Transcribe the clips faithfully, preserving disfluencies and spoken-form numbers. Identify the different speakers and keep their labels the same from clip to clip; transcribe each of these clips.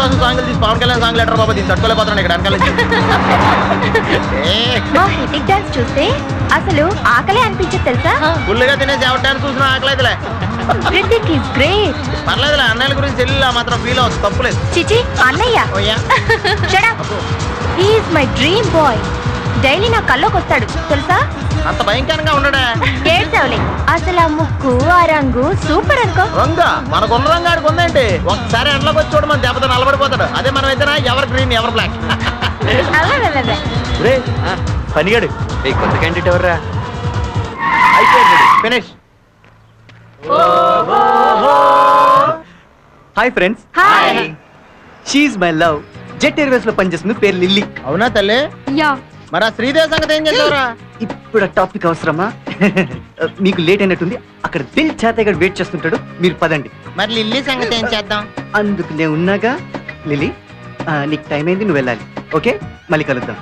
Speaker 1: కోసం సాంగ్లు తీసి పవన్ కళ్యాణ్ సాంగ్ లెటర్ బాబా దీన్ని తట్టుకోలేకపోతున్నాను ఇక్కడ వెనకాల
Speaker 2: హిటిక్ డాన్స్ చూస్తే అసలు ఆకలే అనిపించదు తెలుసా.
Speaker 1: ఫుల్గా తినేసి ఎవరి చూసిన ఆకలి అయితేలే.
Speaker 2: Hrithik is great.
Speaker 1: పర్లేదులే, అన్నయ్యల గురించి చెల్లి మాత్రం ఫీల్ అవ్వచ్చు, తప్పులేదు.
Speaker 2: చిచి అన్నయ్య. Shut up. He is my dream boy. Daily నా కల్లోకి వస్తాడు తెలుసా.
Speaker 1: అంత భయంకరంగా ఉండడా?
Speaker 2: ఏడ్చావులే. అసలు ఆ ముక్కు ఆ రంగు సూపర్ అనుకో.
Speaker 1: రంగా మనకున్న రంగు ఆడికి ఉందేంటి? ఒకసారి ఎండలోకి వచ్చి చూడ మన దెబ్బతో నలబడిపోతాడు. అదే మనం అయితేనా ఎవరు గ్రీన్ ఎవరు బ్లాక్. పనిగాడు కొత్త క్యాండిడేట్ ఎవర్రా? Finish.
Speaker 3: Hi friends.
Speaker 2: Hi.
Speaker 3: She is my love. Jet Airways లో పనిచేస్తుంది, పేరు లిల్లీ.
Speaker 1: అవునా తల్లి?
Speaker 2: యా.
Speaker 1: మరి ఆ శ్రీదేవి సంగతి ఏం చేస్తావురా?
Speaker 3: ఇప్పుడు టాపిక్ అవసరమా? మీకు లేట్ అయినట్టుంది, అక్కడ దిల్ చేతగాడు వెయిట్ చేస్తుంటాడు, మీరు పదండి.
Speaker 1: మరి లిల్లీ సంగతి ఏం చేద్దాం?
Speaker 3: అందుకు నేను ఉన్నాగా. లిల్లీ నీకు టైం అయింది, నువ్వు వెళ్ళాలి. ఓకే, మళ్ళీ కలుద్దాం.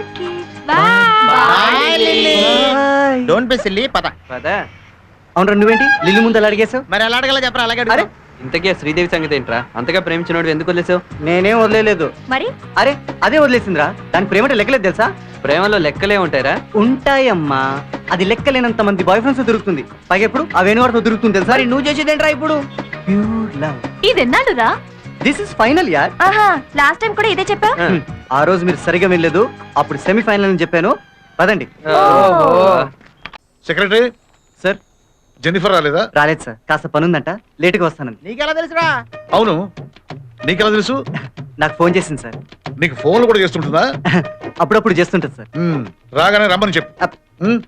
Speaker 1: డోంట్ బి సిల్లీ, పద.
Speaker 3: అవునరా, నువ్వేంటి లిల్లీ ముందు అలా అడిగేసావు?
Speaker 1: మరి ఎలా అడగాలో చెప్పరా? అలాగే
Speaker 3: అరే
Speaker 4: ఇంతకే శ్రీదేవి సంగతి ఏంట్రా? అంతగా ప్రేమించినోడు ఎందుకు వదిలేసావు?
Speaker 3: నేనేం వదిలేదు.
Speaker 2: మరి
Speaker 3: అరే అదే వదిలేసిందిరా. దాని ప్రేమ లెక్కలేదు తెలుసా?
Speaker 4: ప్రేమలో లెక్కలే ఉంటాయరా?
Speaker 3: ఉంటాయమ్మా, అది లెక్కలేనంత మంది బాయ్ ఫ్రెండ్స్ దొరుకుతుంది. పైగా ఎప్పుడు ఆ వేణువారితో దొరుకుతుంది తెలుసా?
Speaker 5: నువ్వు చేసేదేంట్రా ఇప్పుడు?
Speaker 3: Pure love.
Speaker 2: ఇది ఎన్నాళ్ళురా?
Speaker 3: దిస్ ఇస్ ఫైనల్ యార్.
Speaker 2: ఆహా, లాస్ట్ టైం కూడా ఇదే చెప్పా.
Speaker 3: ఆ రోజు మీరు సరిగా వెళ్ళలేదు, అప్పుడు సెమీఫైనల్ అని చెప్పాను. పదండి.
Speaker 6: Secretary
Speaker 3: sir.
Speaker 6: జెన్నిఫర్ రాలేదా?
Speaker 3: రాలేదు సార్, కాస్త పనుందంట, లేటుగా వస్తానండి.
Speaker 1: నీకెలా తెలుసురా?
Speaker 6: అవును, నీకెలా తెలుసు?
Speaker 3: నాకు ఫోన్ చేసింది సార్.
Speaker 6: నీకు ఫోన్లు కూడా చేస్తుంటుందా?
Speaker 3: అప్పుడప్పుడు చేస్తుంటది సార్.
Speaker 6: మ్మ్. రాగానే రమ్మని చెప్పు.
Speaker 3: అప్.
Speaker 6: మ్మ్.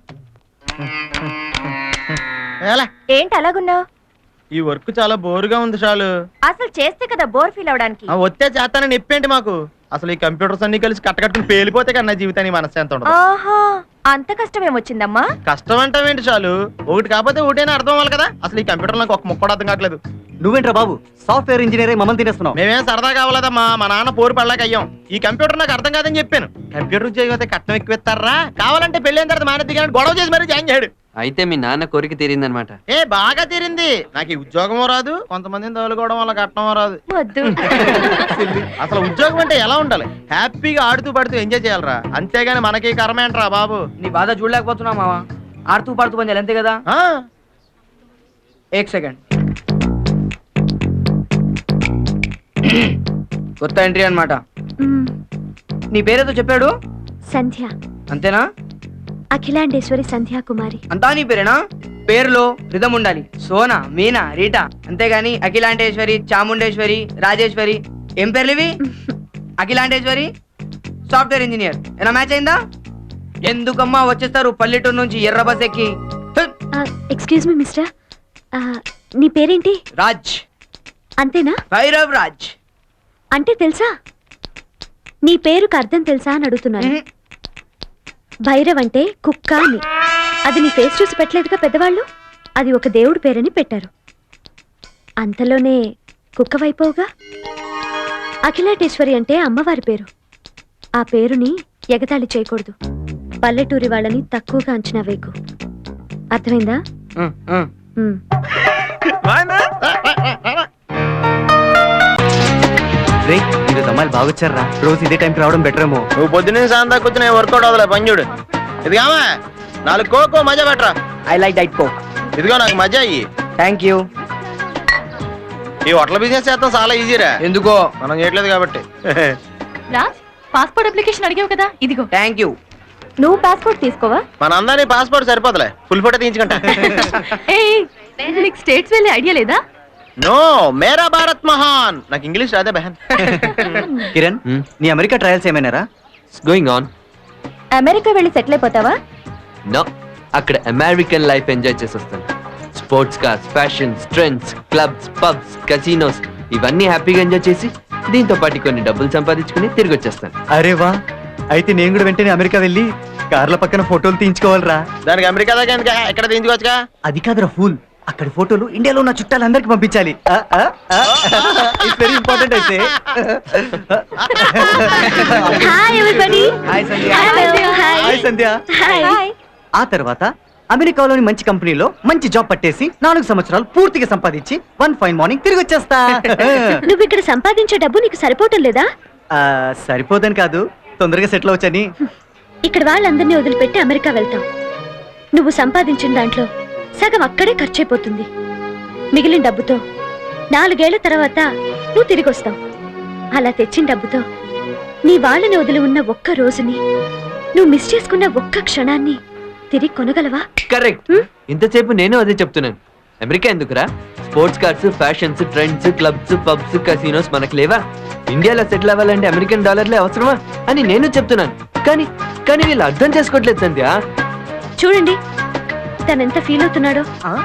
Speaker 1: ఎలా?
Speaker 2: ఏంటి అలాగున్నావు?
Speaker 1: ఈ వర్క్ చాలా బోరుగా ఉంది చాలు.
Speaker 2: అసలు చేస్తే కదా బోర్ ఫీల్ అవడానికి.
Speaker 1: ఆ వచ్చే చేస్తానని చెప్పేంటి మాకు? అసలు ఈ కంప్యూటర్స్ అన్ని కలిసి కట్టకట్టుకుని పేలిపోతే కన్నా జీవితానికి మనశ్శాంతి ఉండదు.
Speaker 2: ఆహా, అంత కష్టం ఏమొచ్చిందమ్మా?
Speaker 1: కష్టం అంటావేంటి చాలు, ఒకటి కాకపోతే ఒకటేనా అర్థం అవ్వాలి కదా. అసలు ఈ కంప్యూటర్ నాకు ఒక ముక్క కూడా అర్థం కావట్లేదు.
Speaker 3: నువ్వేంట్రా బాబు, సాఫ్ట్వేర్ ఇంజనీర్ అయి మమ్మల్ని తినేస్తున్నావు?
Speaker 1: మేమేం సరదా కావాలదమ్మా, మా నాన్న పోరు పడలేక అయ్యాం. ఈ కంప్యూటర్ నాకు అర్థం కాదని చెప్పాను. కంప్యూటర్ ఉద్యోగం అయితే కట్నం ఎక్కువ ఇస్తారా? కావాలంటే పెళ్ళైన తర్వాత మానేది కానీ గొడవ చేసి మరీ జాయిన్ చేయడు.
Speaker 4: అయితే మీ నాన్న కోరిక తీరిందనమాట.
Speaker 1: ఏ బాగా తీరింది. నాకు ఈ ఉద్యోగమో రాదు, కొంతమందిని తగులుకోవడం వల్ల కట్నమో రాదు.
Speaker 2: వద్దు.
Speaker 1: అసలు ఉద్యోగం అంటే ఎలా ఉండాలి? హ్యాపీగా ఆడుతూ పడుతూ ఎంజాయ్ చేయాలరా, అంతేగాని మనకి కర్మ ఏంట్రా బాబు.
Speaker 5: నీ బాధ చూడలేకపోతున్నా మావా. ఆడుతూ పాడుతూ పని చేయాలి, అంతే కదా?
Speaker 1: ఆ,
Speaker 5: ఏక్ సెకండ్. కొత్త ఎంట్రీ అన్నమాట.
Speaker 2: మ్మ్.
Speaker 5: నీ పేరేదో చెప్పాడు,
Speaker 2: సంధ్య.
Speaker 5: అంతేనా?
Speaker 2: అఖిలాండేశ్వరి సంధ్యా కుమారి.
Speaker 5: అంతా నీ పేరేనా? పేరులో రిధం ఉండాలి. సోనా, మీనా, రీటా, అంతేగాని అఖిలాండేశ్వరి, చాముండేశ్వరి, రాజేశ్వరి ఏం పేర్లు ఇవి? Akhilandeshwari software engineer. ఏనా మ్యాచ్ అయిందా? ఎందుకమ్మా వచ్చేస్తారు పల్లెటూరు నుంచి ఎర్ర బస్ ఎక్కి?
Speaker 2: ఎక్స్క్యూజ్ మీ మిస్టర్, నీ పేరేంటి?
Speaker 5: రాజ్.
Speaker 2: అంతేనా?
Speaker 5: భైరవ్ రాజ్.
Speaker 2: అంటే తెలుసా? నీ పేరుకు అర్థం తెలుసా అని అడుగుతున్నాను. భైరవ్ అంటే కుక్క అని. అది నీ ఫేస్ చూసి పెట్టలేదుగా పెద్దవాళ్ళు. అది ఒక దేవుడి పేరని పెట్టారు. అంతలోనే కుక్క వైపోగా. అఖిలాటేశ్వరి అంటే అమ్మవారి పేరు. ఆ పేరుని ఎగతాళి చేయకూడదు. పల్లెటూరి వాళ్ళని తక్కువగా అంచనా వేయకు. అర్థమైందా? మ్మ్.
Speaker 3: రే, ఈరోజు అమ్మాయిలు బాగొచ్చారా? రోజు ఇదే టైంకి రావడం బెటర్ ఏమో.
Speaker 1: నువ్వు పొద్దున్నే సాయంత్రం దాకా కూర్చుని వర్కౌట్ అవుదలే పని చూడు. ఇదిగామా నాలుగు కోకో మజా పెట్టరా.
Speaker 5: I like diet Coke.
Speaker 1: ఇదిగో నాకు మజా అయ్యి.
Speaker 5: Thank you.
Speaker 1: ఈ హోటల్ బిజినెస్ చేస్తాం చాలా ఈజీరా.
Speaker 5: ఎందుకో?
Speaker 1: మనం చేయట్లేదు కాబట్టి.
Speaker 2: రాజ్, పాస్పోర్ట్ అప్లికేషన్ అడిగావు కదా, ఇదిగో.
Speaker 5: Thank you.
Speaker 2: నువ్వు పాస్పోర్ట్ తీసుకోవా?
Speaker 1: మన అందరినీ పాస్పోర్ట్ సరిపోతలే, ఫుల్ ఫోటో తీయించుకుంటా.
Speaker 2: స్టేట్స్ వెళ్ళే ఐడియా లేదా?
Speaker 1: నో, మేరా భారత్ మహాన్. నాకు ఇంగ్లీష్ రాదే బహన్.
Speaker 3: కిరణ్, నీ అమెరికా ట్రయల్స్ ఏమైనారా?
Speaker 4: Going on.
Speaker 2: అమెరికా వెళ్ళి సెటిల్ అయిపోతావా?
Speaker 4: నో, అక్కడ అమెరికన్ లైఫ్ ఎంజాయ్ చేసి వస్తాను. Sports cars, fashions, trends, clubs, pubs, casinos ఇవన్నీ హ్యాపీగా ఎంజాయ్ చేసి దీంతో పాటు కొన్ని డబ్బులు సంపాదించుకుని తిరిగి వచ్చేస్తాను.
Speaker 3: అరే వా, అయితే నేను కూడా వెంటనే అమెరికా వెళ్ళి కార్ల పక్కన ఫోటోలు తీయించుకోవాలరా.
Speaker 1: దానికి అమెరికా దాకా ఎందుకు? ఎక్కడ తీయించుకోవచ్చుగా.
Speaker 3: అది కాదురా ఫూల్, అక్కడ ఫోటోలు ఇండియాలో ఉన్న చుట్టాలందరికి పంపించాలి. ఇట్స్ వెరీ ఇంపార్టెంట్ అయితే.
Speaker 2: Hi everybody.
Speaker 5: Hi Sandhya.
Speaker 2: Hello.
Speaker 3: Hi Sandhya.
Speaker 2: Hi.
Speaker 3: ఆ తర్వాత అమెరికాలోని మంచి కంపెనీలో మంచి జాబ్ పట్టేసి నాలుగు సంవత్సరాలు పూర్తిగా సంపాదించి వన్ ఫైన్ మార్నింగ్ తిరిగి వచ్చేస్తా.
Speaker 2: నువ్వు ఇక్కడ సంపాదించే డబ్బు నీకు సరిపోవటం లేదా?
Speaker 3: ఆ, సరిపోదని కాదు, తొందరగా సెటిల్ అవచ్చని.
Speaker 2: ఇక్కడ వాళ్ళందరినీ వదిలిపెట్టి అమెరికా వెళ్తావు. నువ్వు సంపాదించిన దాంట్లో సగం అక్కడే ఖర్చయిపోతుంది. మిగిలిన డబ్బుతో నాలుగేళ్ల తర్వాత నువ్వు తిరిగి వస్తావు. అలా తెచ్చిన డబ్బుతో నీ వాళ్ళని వదిలి ఉన్న ఒక్క రోజుని, నువ్వు మిస్ చేసుకున్న ఒక్క క్షణాన్ని తిరిగి కొనగలవా?
Speaker 4: కరెక్ట్. ఇంతసేపు నేను అదే చెప్తున్నాను. అమెరికా ఎందుకురా? Sports cars, fashions, trends, clubs, pubs, casinos మనకు లేవా? ఇండియాలో సెటిల్ అవ్వాలంటే అమెరికన్ డాలర్లే అవసరమా అని నేను చెప్తున్నాను. కానీ కానీ వీళ్ళు అర్థం చేసుకోవట్లేదు సంధ్య.
Speaker 2: చూడండి తనెంత ఫీల్ అవుతున్నాడో.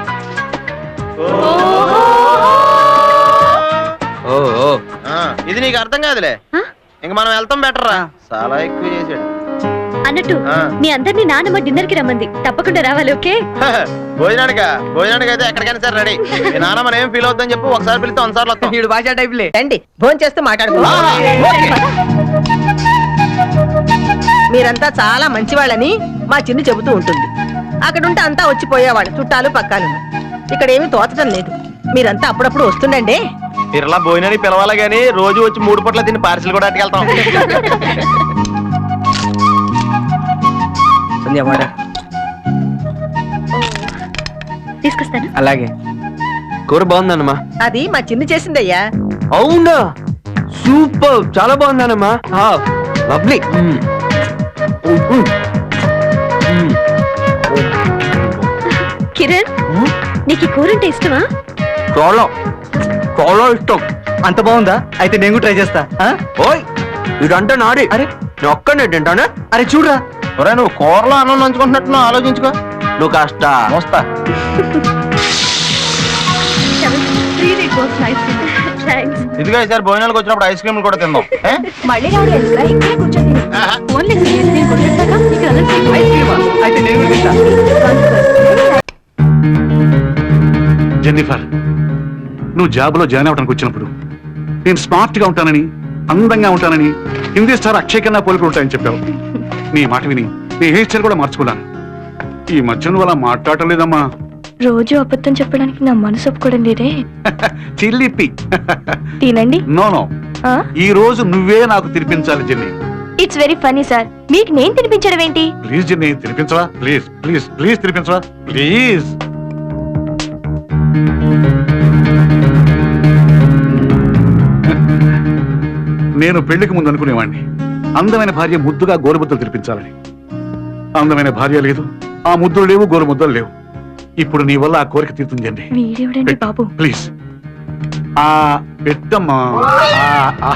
Speaker 4: ఓ ఓ.
Speaker 1: ఆ, ఇది నీకు అర్థం కాదులే.
Speaker 2: ఆ?
Speaker 1: ఇంక మనం వెళ్తాం బెటర్ రా. చాలా ఎక్కువ చేసాడు.
Speaker 2: అన్నట్టు
Speaker 1: ఆ.
Speaker 2: మీ అందరినీ నానమ్మ డిన్నర్ కి రమ్మంది. తప్పకుండా రావాలి. ఓకే?
Speaker 1: భోజనానికా? భోజనానికి అయితే ఎక్కడికైనా సరే రెడీ. మీ నాన్న మనం ఏం ఫీల్ అవుతుందని చెప్పు. ఒకసారి పిలిస్తే ఒకసారి వస్తాం.
Speaker 5: వీడు భాషా టైప్లే.
Speaker 7: రండి భోజనం చేస్తూ మాట్లాడుకో. మీరంతా చాలా మంచివాళ్ళని మా చిన్ను చెబుతూ ఉంటుంది. అక్కడుంటే అంతా వచ్చిపోయేవాడు, చుట్టాలు పక్కాలు. ఇక్కడ ఏమీ తోచడం లేదు. మీరంతా అప్పుడప్పుడు వస్తుండండి.
Speaker 1: తిరలా భోజనానికి పిలవాలి గానీ రోజు వచ్చి మూడు పూట్ల తిని పార్సిల్ కూడా అట్టుకెళ్తాం.
Speaker 5: సంధ్య వాటర్.
Speaker 2: తీసుకొస్తాను.
Speaker 5: అలాగే.
Speaker 4: కూర బాగుందన్నమా?
Speaker 7: అది మా చిన్ను చేసిందయ్యా.
Speaker 4: అవునా? సూపర్, చాలా బాగుందన్నమా. లవ్లీ.
Speaker 2: కిరణ్, నీకు ఈ కూర అంటే ఇష్టమా?
Speaker 4: చాలా చాలా ఇష్టం.
Speaker 3: అంత బాగుందా? అయితే నేను ట్రై చేస్తా. ఆ?
Speaker 4: ఓయ్, ఇదంటే నాడి.
Speaker 3: అరే
Speaker 4: నేను ఒక్కనే తింటానే.
Speaker 3: అరే చూడరా,
Speaker 1: ఒరే నువ్వు కూరలో అన్నం నంచుకుంటున్నట్టు ఆలోచించుకో.
Speaker 4: నువ్వు కాస్త
Speaker 1: మోస్తా.
Speaker 2: థాంక్స్.
Speaker 1: ఇదిగో ఈసారి భోజనాలకు వచ్చినప్పుడు ఐస్ క్రీమ్ కూడా తిందాం. ఏ?
Speaker 2: మళ్ళీ రావడం ఎందుకురా? ఇక్కడే కూర్చొని తిను.
Speaker 1: ఆహా.
Speaker 2: ఓన్లీ సీరియస్ నేను కొట్టేస్తాగా నీకు అలర్ట్
Speaker 3: ఐస్ క్రీమా? అయితే నేను కూడా తింటా.
Speaker 6: జెన్నిఫర్, నువ్వు జాబ్లో జాయిన్ అవ్వడానికి వచ్చినప్పుడు నేను స్మార్ట్ గా ఉంటానని, అందంగా ఉంటానని, హిందీ స్టార్ అక్షయ్ కన్నా పోలికలు ఉంటాయని చెప్పావు. నీ మాట విని నీ హెయిర్ స్టైల్ కూడా మార్చుకున్నాను. ఈ మధ్య నువ్వు అలా మాట్లాడటం లేదమ్మా.
Speaker 8: రోజు అబద్ధం చెప్పడానికి నా మనసు ఒప్పుకోవడం లేదే.
Speaker 6: చిల్లిపి.
Speaker 8: తినండి.
Speaker 6: నో నో, ఈ రోజు నువ్వే నాకు తినిపించాలి Jenny.
Speaker 8: It's very funny sir. మీకు నేను తినిపించడం ఏంటి?
Speaker 6: ప్లీజ్ జెన్నీ, తినిపించవా? ప్లీజ్ ప్లీజ్ ప్లీజ్ తినిపించవా? ప్లీజ్. నేను పెళ్లికి ముందు అనుకునేవాడిని అందమైన భార్య ముద్దుగా గోరుముద్దలు తినిపించాలని. అందమైన భార్య లేదు, ఆ ముద్దులు లేవు, గోరుముద్దలు లేవు. ఇప్పుడు నీ వల్ల ఆ కోరిక తీరుతుంది.
Speaker 8: వీడేవిడండి బాబు.
Speaker 6: ప్లీజ్. ఆ పెట్టమ్మా. ఆ, ఆ.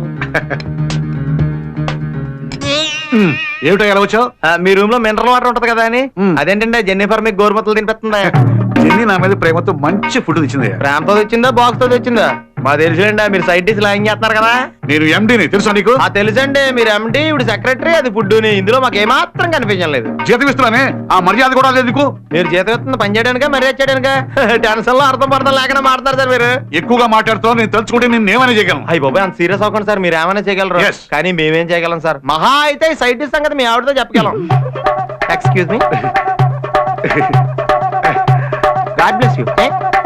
Speaker 6: ఉమ్, ఏమిటో ఎలా వచ్చావు?
Speaker 1: ఆ, మీ రూమ్ లో మినరల్ వాటర్ ఉంటది కదా అని.
Speaker 6: మ్.
Speaker 1: అదేంటంటే జెన్నిఫర్ మీకు గోరుమత్తలు తినిపిస్తుందా?
Speaker 6: జెన్నీ నా మీద ప్రేమతో మంచి ఫుడ్ తెచ్చింది.
Speaker 1: ప్రేమతో తెచ్చిందా, బాక్స్ తో తెచ్చిందా? మా తెలుసులేండి, మీరు సైడ్ డిష్ లాగింగ్ చేస్తున్నారు కదా.
Speaker 6: నేను ఎండీని తెలుసా నీకు?
Speaker 1: ఆ తెలుసండి, మీరు ఎండి ఇప్పుడు సెక్రటరీ, అది ఫుడ్. ఇందులో మాకు ఏమాత్రం కనిపించడం లేదు.
Speaker 6: జీతం ఇస్తున్నానే, ఆ మర్యాద కూడా లేదు నీకు.
Speaker 1: మీరు జీతం ఇస్తుంది పని చేయడానికా మర్యాద చేయడానికా? టెన్షన్ లో అర్థం పడతాం లేకుండా మాట్లాడతారు సార్ మీరు.
Speaker 6: ఎక్కువగా మాట్లాడుతావు, నేను తలుచుకుంటే నేను ఏమైనా చేయగలను.
Speaker 1: అయ్యి బాబాయ్, అంత సీరియస్ అవ్వకండి సార్. మీరు ఏమైనా చేయగలరు,
Speaker 6: Yes.
Speaker 1: కానీ మేమేం చేయగలం సార్. మహా అయితే ఈ సైడ్ డిష్ సంగతి మీ ఆవిడతో చెప్పగలం. Excuse me, God bless you.